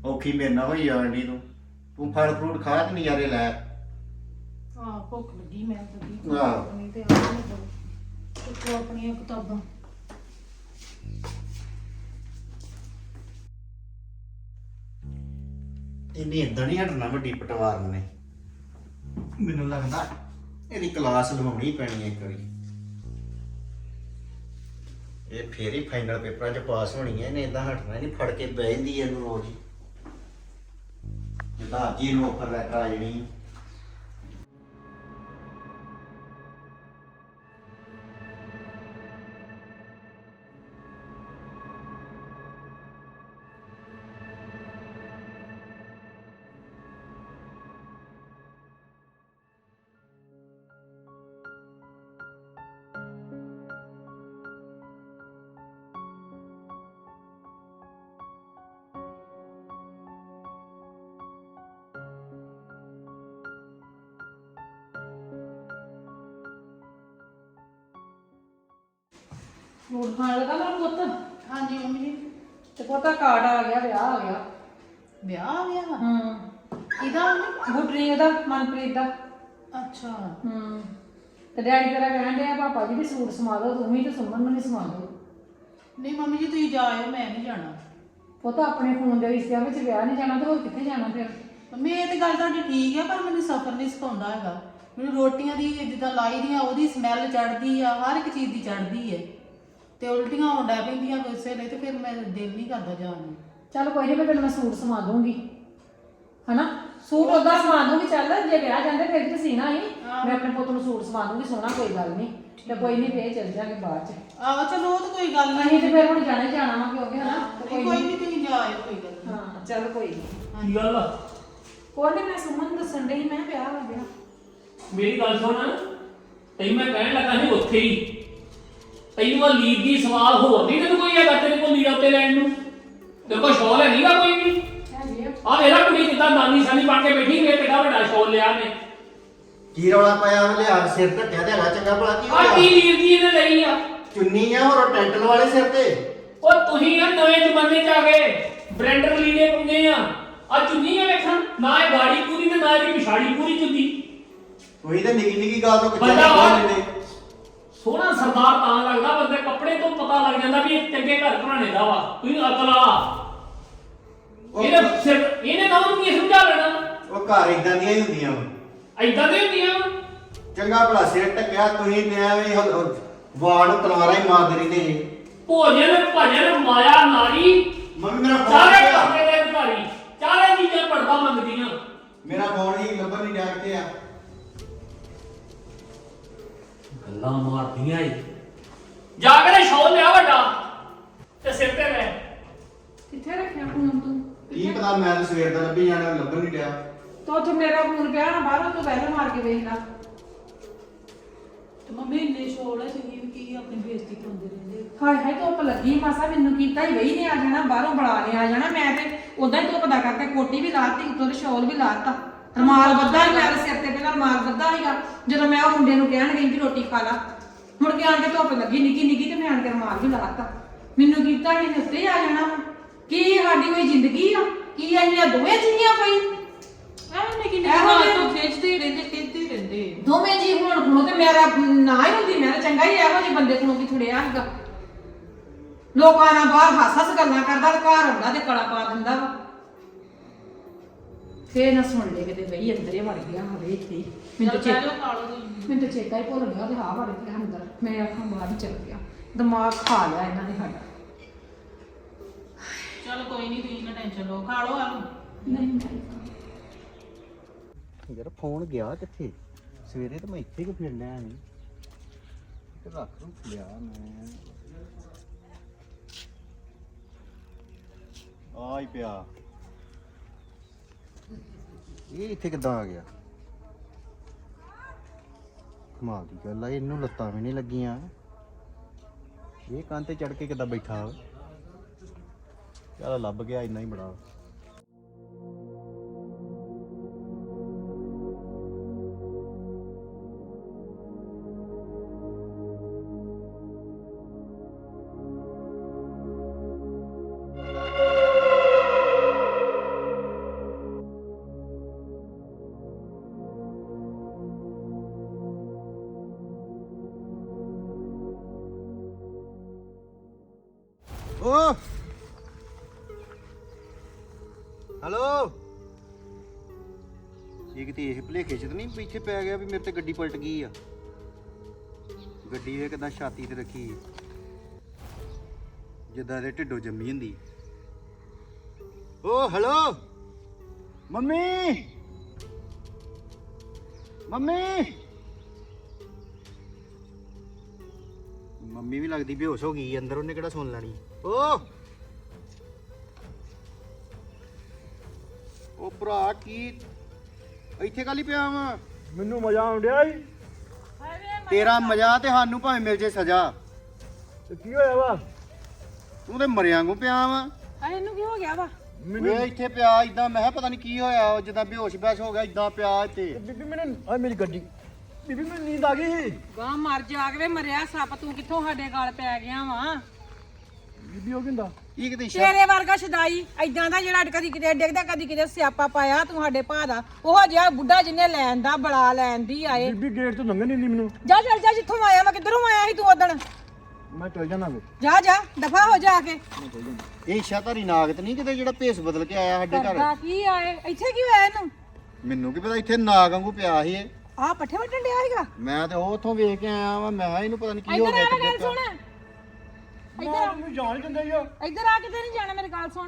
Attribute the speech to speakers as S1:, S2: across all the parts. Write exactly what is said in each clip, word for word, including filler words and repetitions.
S1: ਔਖੀ ਮੇਰੇ ਨਾਲ ਹੋਈ ਜਾਣ ਡਈ ਤੂੰ ਤੂੰ ਫਲ ਫਰੂਟ ਖਾ ਤੇ ਨਜ਼ਾਰੇ ਲੈ।
S2: ਹਾਂ ਭੁੱਖ ਲੱਗੀ ਮੈਂ ਲੱਗੀ
S1: ਆਹ।
S2: ਆਪਣੀ ਤੇ ਆ ਨਹੀਂ ਦੋ ਚੁੱਕੋ ਆਪਣੀਆਂ ਕਿਤਾਬਾਂ।
S1: ਇਹਨੇ ਇਦਾਂ ਨਹੀਂ ਹਟਣਾ ਵੱਡੀ ਪਟਵਾਰ ਨੇ। ਮੈਨੂੰ ਲੱਗਦਾ ਇਹਦੀ ਕਲਾਸ ਲਵਾਉਣੀ ਪੈਣੀ ਹੈ ਇੱਕ ਵਾਰੀ। ਇਹ ਫੇਰ ਹੀ ਫਾਈਨਲ ਪੇਪਰਾਂ 'ਚ ਪਾਸ ਹੋਣੀ ਹੈ। ਇਹਨੇ ਇਦਾਂ ਹਟਣਾ ਨਹੀਂ, ਫੜ ਕੇ ਬਹਿ ਜਾਂਦੀ ਹੈ ਇਹਨੂੰ ਰੋਜ਼ ਹੀ। ਜਿੱਦਾਂ ਅੱਜ ਹੀ ਇਹਨੂੰ ਆਫਰ ਲੈਟਰ ਆ ਜਾਣੀ।
S2: ਫਰੂਟ ਖਾਣ ਲੱਗਾ ਮੇਰਾ ਪੁੱਤ।
S3: ਹਾਂਜੀ ਮੰਮੀ ਜੀ।
S2: ਤੇ ਪੋਤਾ ਕਾਰਡ ਆ ਗਿਆ, ਵਿਆਹ ਆ ਗਿਆ।
S3: ਵਿਆਹ ਆ ਗਿਆ ਵਾ?
S2: ਹੂੰ
S3: ਕਿਹਦਾ ਮੰਮੀ?
S2: ਗੁੱਡਰੀ ਦਾ, ਮਨਪ੍ਰੀਤ ਦਾ।
S3: ਅੱਛਾ।
S2: ਹੂੰ ਤੇ ਡੈਡੀ ਤੇਰਾ ਕਹਿਣ ਡਿਆ ਪਾਪਾ ਜੀ ਵੀ ਸੂਟ ਸਮਾ ਦੋ, ਤੂੰ ਵੀ ਤੇ ਸੁਮਨ ਨੂੰ ਵੀ ਸਮਾ ਦੋ।
S3: ਨਹੀਂ ਮੰਮੀ ਜੀ ਤੁਸੀਂ ਜਾਇਓ, ਮੈਂ ਨਹੀਂ ਜਾਣਾ।
S2: ਪੁੱਤ ਆਪਣੇ ਖੂਨ ਦੇ ਰਿਸ਼ਤਿਆਂ ਵਿੱਚ ਵਿਆਹ ਨਹੀਂ ਜਾਣਾ ਤੇ ਹੋਰ ਕਿੱਥੇ ਜਾਣਾ ਫਿਰ?
S3: ਮੰਮੀ ਇਹ ਤੇ ਗੱਲ ਤੁਹਾਡੀ ਠੀਕ ਹੈ, ਪਰ ਮੈਨੂੰ ਸਫ਼ਰ ਨਹੀਂ ਸਿਖਾਉਂਦਾ ਹੈਗਾ। ਮੈਨੂੰ ਰੋਟੀਆਂ ਦੀ ਜਿੱਦਾਂ ਲਾਈ ਦੀਆਂ ਉਹਦੀ ਸਮੈਲ ਚੜ੍ਹਦੀ ਆ, ਹਰ ਇੱਕ ਚੀਜ਼ ਦੀ ਚੜ੍ਹਦੀ ਹੈ ਤੇ ਉਲਟੀਆਂ ਹੋਣ ਡੈ ਪੈਂਦੀਆਂ ਗੁੱਸੇ ਲਈ, ਤੇ ਫਿਰ ਮੈਂ ਦਿਲ ਨਹੀਂ ਕਰਦਾ ਜਾਣ ਨੂੰ।
S2: ਚੱਲ ਕੋਈ ਨਹੀਂ, ਮੈਂ ਤੈਨੂੰ ਮੈਂ ਸੂਟ ਸਮਾ ਦੂੰਗੀ ਹਨਾ। ਸੂਟ ਉਦਾਂ ਸਮਾ ਦੂੰਗੀ। ਚੱਲ ਜੇ ਵਿਆਹ ਜਾਂਦੇ ਫਿਰ ਤੇ ਸੀਣਾ ਹੀ। ਮੈਂ ਆਪਣੇ ਪੁੱਤ ਨੂੰ ਸੂਟ ਸਮਾ ਦੂੰਗੀ ਸੋਹਣਾ, ਕੋਈ ਗੱਲ ਨਹੀਂ। ਤੇ ਕੋਈ ਨਹੀਂ ਫੇਰ ਚੱਲ ਜਾਗੇ ਬਾਅਦ ਚ।
S3: ਆਹੋ ਚਲੋ ਉਹ ਤਾਂ ਕੋਈ ਗੱਲ
S2: ਅਸੀਂ
S3: ਨਹੀਂ।
S2: ਤੇ ਫਿਰ ਹੁਣ ਜਾਣਾ ਹੀ ਜਾਣਾ ਵਾ ਕਿਉਂਕਿ ਹਨਾ।
S3: ਕੋਈ ਨਹੀਂ ਤੁਸੀਂ ਜਾਇਓ, ਕੋਈ ਗੱਲ ਨਹੀਂ।
S2: ਹਾਂ ਚੱਲ ਕੋਈ ਨਹੀਂ।
S4: ਕੀ ਗੱਲ ਆ?
S2: ਕੋਈ ਨਹੀਂ, ਮੈਂ ਸੁਮਨ ਨੂੰ ਦੱਸਣ ਡਈ ਮੈਂ ਵਿਆਹ ਆ ਗਿਆ।
S4: ਮੇਰੀ ਗੱਲ ਸੁਣ, ਤੈਨੂੰ ਮੈਂ ਕਹਿਣ ਲੱਗਾ ਸੀ ਉੱਥੇ ਹੀ। ਤੈਨੂੰ ਆ ਲੀਡ ਦੀ ਸਵਾਲ ਹੋਰ ਨਹੀਂ ਤੈਨੂੰ ਕੋਈ ਹੈਗਾ ਤੇਰੇ ਕੋਲ ਲੀਡ ਉੱਤੇ ਲੈਣ ਨੂੰ? ਤੇਰੇ ਕੋਲ ਸ਼ੌਲ ਹੈ ਨਹੀਂਗਾ ਕੋਈ ਵੀ?
S2: ਹੈਗੀ ਆ।
S4: ਆ ਵੇਲਾ ਕੁੜੀ ਜਿੱਦਾਂ ਨਾਨੀ ਸਾਨੀ ਪਾ ਕੇ ਬੈਠੀ ਵੇ ਕਿੱਡਾ ਵੱਡਾ ਸ਼ੌਲ ਲਿਆ ਨੇ।
S1: ਕੀ ਰੌਲਾ ਪਾਇਆ ਉਹਨੇ? ਲਿਆ ਸਿਰ ਢੱਕਿਆ ਤੇ ਹੈਗਾ ਚੰਗਾ ਭਲਾ। ਕੀ
S4: ਆ ਕੀ ਲੀਡ ਦੀ ਇਹਨੇ ਲਈ ਆ?
S1: ਚੁੰਨੀ ਆ ਹੋਰ ਟੈਂਟਲ ਵਾਲੇ ਸਿਰ ਤੇ।
S4: ਉਹ ਤੁਸੀਂ ਆ ਨਵੇਂ ਜ਼ਮਾਨੇ ਚ ਆ ਗਏ, ਬ੍ਰੈਂਡਰ ਲੀੜੇ ਪਾਉਂਦੇ ਆ। ਆ ਚੁੰਨੀ ਆ ਵੇਖਣ, ਨਾ ਇਹ ਗਾੜੀ ਪੂਰੀ ਤੇ ਨਾ ਇਹਦੀ ਪਿਛਾੜੀ ਪੂਰੀ ਚੁੰਨੀ।
S1: ਉਹੀ ਤਾਂ ਨਿੱਕੀ ਨਿੱਕੀ ਗੱਲ ਤੋਂ ਕਿੱਥੇ
S4: ਬੰਦਾ ਵਾ-
S1: ਨਿਕਲ
S4: ਸੋਹਣਾ ਸਰਦਾਰ ਤਾਂ ਲੱਗਦਾ, ਬੰਦੇ ਕੱਪੜੇ ਤੋਂ ਪਤਾ ਲੱਗ ਜਾਂਦਾ ਵੀ ਇਹ ਚੰਗੇ ਘਰ ਘਰਾਣੇ ਦਾ ਵਾ। ਤੁਸੀਂ ਅਕਲ ਆ ਇਹਨੇ ਸਿਰ ਇਹਨੇ ਨਾ ਉਹਨੂੰ ਕੀ ਸਮਝਾ ਲੈਣਾ?
S1: ਉਹ ਘਰ ਇਦਾਂ ਦੀਆਂ ਹੀ ਹੁੰਦੀਆਂ ਵਾ।
S4: ਐਦਾਂ ਦੇ ਹੁੰਦੀਆਂ ਵਾ।
S1: ਚੰਗਾ ਭਲਾ ਸਿਰ ਢੱਕਿਆ ਤੁਸੀਂ ਤੇ ਐਵੇਂ ਹੀ ਵਾਲ ਨੂੰ ਤਲਵਾਰਾਂ ਹੀ ਮਾਰਦੇ ਰਹਿੰਦੇ ਜੀ।
S4: ਭੋਜਨ ਭਜਨ ਮਾਇਆ ਨਾਰੀ
S1: ਮੰਮੀ ਮੇਰਾ ਫੋਨ
S4: ਸਾਰੇ
S1: ਕਿੱਥੇ ਆ?
S4: ਕਰਦੇ ਦੇ ਅਧਿਕਾਰੀ, ਚਾਰੇ ਚੀਜ਼ਾਂ ਪੜਦਾ ਮੰਗਦੀਆਂ।
S1: ਮੇਰਾ ਫੋਨ ਹੀ ਲੱਭਣ ਨਹੀਂ ਡਿਆ ਕਿੱਥੇ ਆ।
S4: ਗੱਲਾਂ ਮਾਰਦੀਆਂ ਏ। ਜਾ ਕੇ ਸ਼ੌਲ ਲਿਆ ਵੱਡਾ ਤੇ ਸਿਰ ਤੇ ਲੈ।
S2: ਕਿੱਥੇ ਰੱਖਿਆ ਫੋਨ ਤੂੰ?
S1: ਕੀ ਪਤਾ, ਮੈਂ ਤਾਂ ਸਵੇਰ ਦਾ ਲੱਭੀ ਜਾਣਾ, ਲੱਭਣ ਨਹੀਂ ਡਿਆ।
S2: ਤੋ ਉੱਥੇ ਮੇਰਾ ਫੋਨ ਪਿਆ ਨਾ ਬਾਹਰੋਂ, ਤੂੰ ਪਹਿਲਾਂ ਮਾਰ ਕੇ ਵੇਖ ਲੈ।
S3: ਤੇ ਮੰਮੀ ਇੰਨੇ ਸ਼ੋਰ ਹੈ, ਤੁਸੀਂ ਵੀ ਕੀ ਆਪਣੀ ਬੇਇੱਜ਼ਤੀ ਕਰਾਉਂਦੇ ਰਹਿੰਦੇ?
S2: ਹਾਏ ਹਾਏ ਧੁੱਪ ਲੱਗੀ ਮਾਸਾ, ਮੈਨੂੰ ਕੀਤਾ ਹੀ ਵਈ ਨੇ ਆ ਜਾਣਾ, ਬਾਹਰੋਂ ਬੁਲਾ ਨੇ ਆ ਜਾਣਾ। ਮੈਂ ਤੇ ਉਦਾਂ ਹੀ ਧੁੱਪ ਦਾ ਕਰਕੇ ਕੋਟੀ ਵੀ ਲਾਤੀ, ਉੱਤੋਂ ਤੇ ਸ਼ਾਲ ਵੀ ਲਾਤਾ, ਰਮਾਲ ਬੱਧਾ ਹੀ ਮੇਰੇ ਸਿਰ ਤੇ। ਪਹਿਲਾਂ ਰਮਾਲ ਬੱਧਾ ਸੀਗਾ ਜਦੋਂ ਮੈਂ ਉਹ ਮੁੰਡੇ ਨੂੰ ਕਹਿਣ ਗਈ ਵੀ ਰੋਟੀ ਖਾ ਲਾ। ਮੁੜ ਕੇ ਆਣ ਕੇ ਧੁੱਪ ਲੱਗੀ ਨਿੱਕੀ ਨਿੱਕੀ ਤੇ ਮੈਂ ਆਣ ਕੇ ਰਮਾਲ ਵੀ ਲਾਤਾ। ਮੈਨੂੰ ਕੀਤਾ ਇਹਨੇ ਉੱਤੇ ਹੀ ਆ ਜਾਣਾ। ਕੀ ਸਾਡੀ ਕੋਈ ਜ਼ਿੰਦਗੀ ਆ? ਕੀ ਅਸੀਂ ਆ ਦੋਵੇਂ ਜੀਆਂ ਕੋਈ?
S3: ਐਵੇਂ ਨਿੱਕੀ ਨਿੱਕੀ
S2: ਇਹੋ
S3: ਗੱਲ
S2: ਜਿਹੇ-
S3: ਤੋਂ ਖਿੱਚਦੇ ਹੀ ਰਹਿੰਦੇ, ਖਿੱਚਦੇ ਹੀ ਰਹਿੰਦੇ।
S2: ਦੋਵੇਂ ਜੀ ਹੋਣ ਖਣੋ ਤੇ ਮੇਰਾ ਨਾ ਹੀ ਹੁੰਦੀ, ਮੈਂ ਤਾਂ ਚੰਗਾ ਹੀ ਇਹੋ ਜਿਹੇ ਬੰਦੇ ਕੋਲੋਂ ਕੀ ਥੁੜਿਆ ਸੀਗਾ। ਲੋਕਾਂ ਨਾਲ ਬਾਹਰ ਹੱਸ ਹੱਸ ਗੱਲਾਂ ਕਰਦਾ ਤੇ ਘਰ ਆਉਂਦਾ ਤੇ ਕਲਾ ਪਾ ਦਿੰਦਾ ਵਾ। ਫੇਰ ਨਾ ਸੁਣ ਲੈ ਕਿਤੇ ਬਈ ਅੰਦਰ ਹੀ ਵੜ ਗਿਆ ਹੋਵੇ ਇੱਥੇ ਹੀ। ਮੈਨੂੰ ਤਾਂ
S3: ਚੱਲ
S2: ਚੇ-
S3: ਬਹਿ ਜਾਓ, ਖਾ ਲਓ ਤੁਸੀਂ।
S2: ਮੈਨੂੰ ਤਾਂ ਚੇਤਾ ਹੀ ਭੁੱਲ ਗਿਆ ਤੇ ਹਾਂ ਵੜ ਗਿਆ ਅੰਦਰ। ਮੈਂ ਆਖਾਂ ਬਾਹਰ ਹੀ ਚਲ ਗਿਆ, ਦਿਮਾਗ ਖਾ ਲਿਆ ਇਹਨਾਂ ਨੇ ਸਾਡਾ।
S3: ਚਲ ਕੋਈ ਨਹੀਂ, ਤੁਸੀਂ ਨਾ ਟੈਨਸ਼ਨ ਲਓ, ਖਾ ਲਓ ਆਲੂ।
S2: ਨਹੀਂ ਨਹੀਂ
S1: ਯਾਰ ਫੋਨ ਗਿਆ ਕਿੱਥੇ? ਸਵੇਰੇ ਤਾਂ ਮੈਂ ਇੱਥੇ ਕਿ ਫਿਰ ਲਿਆ ਨਹੀਂ ਤੇ ਰੱਖ ਰੁੱਖ ਲਿਆ ਮੈਂ। ਆ ਹੀ ਪਿਆ। ਇਹ ਇੱਥੇ ਕਿੱਦਾਂ ਆ ਗਿਆ? ਕਮਾਲ ਦੀ ਗੱਲ ਆ, ਇਹਨੂੰ ਲੱਤਾਂ ਵੀ ਨਹੀਂ ਲੱਗੀਆਂ। ਇਹ ਕੰਨ ਤੇ ਚੜ ਕੇ ਕਿੱਦਾਂ ਬੈਠਾ? ਚੱਲ ਲੱਭ ਗਿਆ, ਇੰਨਾ ਹੀ ਬੜਾ। ਓ ਹੈਲੋ ਇਹ ਕਿਤੇ ਇਹ ਭੁਲੇਖੇ ਚ ਤਾਂ ਨਹੀਂ ਪਿੱਛੇ ਪੈ ਗਿਆ ਵੀ ਮੇਰੇ ਤੇ ਗੱਡੀ ਪਲਟ ਗਈ ਆ ਗੱਡੀ ਇਹ ਕਿਦਾਂ ਛਾਤੀ ਤੇ ਰੱਖੀ ਜਿੱਦਾਂ ਇਹਦੇ ਢਿੱਡੋਂ ਜੰਮੀ ਹੁੰਦੀ ਓ ਹੈਲੋ ਮੰਮੀ ਮੰਮੀ ਮੰਮੀ ਵੀ ਲੱਗਦੀ ਬੇਹੋਸ਼ ਹੋ ਗਈ ਅੰਦਰ ਉਹਨੇ ਕਿਹੜਾ ਸੁਣ ਲੈਣੀ ਓ ਉਹ ਭਰਾ ਕੀ ਇੱਥੇ ਕਾਲੀ ਪਿਆ ਵਾ
S5: ਮੈਨੂੰ ਮਜ਼ਾ ਆਉਂਦਿਆ ਈ
S1: ਤੇਰਾ ਮਜ਼ਾ ਤੇ ਸਾਨੂੰ ਭਾਵੇਂ ਮਿਲ ਜੇ ਸਜ਼ਾ
S5: ਤੇ ਕੀ ਹੋਇਆ ਵਾ
S1: ਤੂੰ ਤੇ ਮਰਿਆਂ ਵਾਂਗੂ ਪਿਆ ਵਾ
S2: ਆ ਇਹਨੂੰ ਕੀ ਹੋ ਗਿਆ ਵਾ
S1: ਵੇ ਇੱਥੇ ਪਿਆ ਇਦਾਂ ਮੈਂ ਕਿਹਾ ਪਤਾ ਨਹੀਂ ਕੀ ਹੋਇਆ ਉਹ ਜਿੱਦਾਂ ਬੇਹੋਸ਼ ਬੈਸ਼ ਹੋ ਗਿਆ ਇਦਾਂ ਪਿਆ ਇੱਥੇ
S5: ਬੀਬੀ ਮੈਨੂੰ ਆ ਮੇਰੀ ਗੱਡੀ ਬੀਬੀ ਮੈਨੂੰ ਨੀਂਦ ਆ ਗਈ
S2: ਗਾਂ ਮਰ ਜਾ ਕੇ ਮਰਿਆ ਸੱਪ ਤੂੰ ਕਿੱਥੋਂ ਸਾਡੇ ਗਾਲ ਪੈ ਗਿਆ ਵਾ
S5: ਬੀਬੀ ਉਹ ਕਿੰਦਾ
S1: ਇਹ ਕਿਤੇ ਸ਼ਾ-
S2: ਤੇਰੇ ਵਰਗਾ ਸ਼ਦਾਈ ਐਦਾਂ ਦਾ ਜਿਹੜਾ ਕਦੀ ਕਿਤੇ ਡਿੱਗਦਾ ਕਦੀ ਕਿਤੇ ਸਿਆਪਾ ਪਾਇਆ ਤੂੰ ਸਾਡੇ ਭਾ ਦਾ ਉਹ ਜਿਹਾ ਬੁੱਢਾ ਜਿਹਨੇ ਲੈਣ ਦਾ ਬੜਾ ਲੈਣ ਦੀ ਆਏ
S5: ਬੀਬੀ ਗੇਟ ਤੋਂ ਲੰਘਣ ਨਹੀਂ ਦਿੰਦੀ ਮੈਨੂੰ
S2: ਜਾ ਚੱਲ ਜਾ ਜਿੱਥੋਂ ਆਇਆ ਮੈਂ ਕਿੱਧਰੋਂ ਆਇਆ ਸੀ ਤੂੰ ਉਦਣ
S5: ਮੈਂ ਚੱਲ ਜਾਣਾ ਵੇ
S2: ਜਾ ਜਾ ਦਫਾ ਹੋ ਜਾ ਕੇ
S1: ਇਹ ਸ਼ਾਤਾਰੀ ਨਾਗਤ ਨਹੀਂ ਕਿਤੇ ਜਿਹੜਾ ਭੇਸ ਬਦਲ ਕੇ ਆਇਆ ਸਾਡੇ
S2: ਕਰਦਾ
S1: ਘਰ
S2: ਕੀ ਆਏ ਇੱਥੇ ਕੀ ਹੋਇਆ ਇਹਨੂੰ
S1: ਮੈਨੂੰ ਕੀ ਪਤਾ ਇੱਥੇ ਨਾਗ ਵਾਂਗੂ ਪਿਆ ਸੀ ਇਹ
S2: ਆਹ ਪੱਠੇ ਵੱਢਣ ਡਿਆ ਸੀਗਾ
S1: ਮੈਂ ਤੇ ਉਹ ਉੱਥੋਂ ਵੇਖ ਕੇ ਆਇਆ ਵਾਂ ਮੈਂ ਕਿਹਾ ਇਹਨੂੰ ਪਤਾ ਨਹੀਂ ਕੀ ਹੋ
S2: ਇੱਧਰ
S1: ਗਿਆ
S2: ਆ ਗੱਲ
S1: ਤਬੀਅਤ
S2: ਸੁਣ
S1: ਦਾ।
S2: ਇੱਧਰ
S5: ਮੈਨੂੰ ਜਾਣ ਹੀ ਦਿੰਦੇ ਯੋ
S2: ਇੱਧਰ ਆ ਕਿਤੇ ਨਹੀਂ ਜਾਣਾ ਮੇਰੀ ਗੱਲ ਸੁਣ